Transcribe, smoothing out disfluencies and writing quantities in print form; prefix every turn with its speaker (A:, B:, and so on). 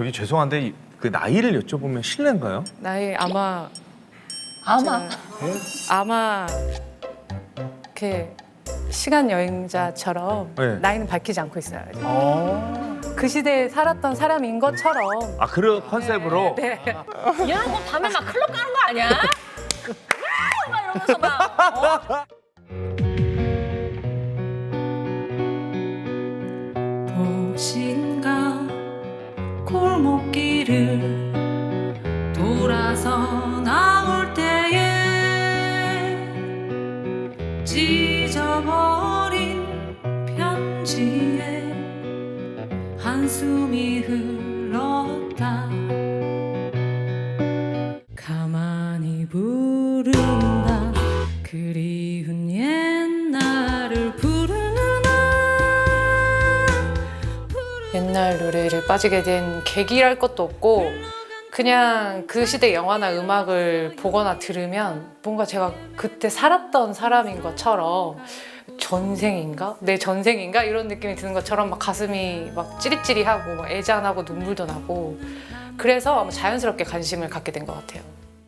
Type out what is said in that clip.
A: 저기 죄송한데 그 나이를 여쭤보면 실례인가요?
B: 나이 아마
C: 아마
B: 아마 이렇게 시간 여행자처럼
A: 네.
B: 나이는 밝히지 않고 있어요. 그 시대에 살았던 사람인 것처럼.
A: 아 그런 컨셉으로.
B: 네.
C: 이런 거 밤에 막 클럽 가는 거 아니야? 막 이러면서 막
D: 도시인가 골목길을 돌아서 나올 때에 찢어버린 편지에 한숨이 흘렀다. 가만히 부른다. 그리운 옛날을 부르나.
B: 옛날 노래를 빠지게 된 계기랄 것도 없고 그냥 그 시대 영화나 음악을 보거나 들으면 뭔가 제가 그때 살았던 사람인 것처럼 전생인가? 내 전생인가? 이런 느낌이 드는 것처럼 막 가슴이 막 찌릿찌릿하고 막 애잔하고 눈물도 나고 그래서 아마 자연스럽게 관심을 갖게 된 것 같아요.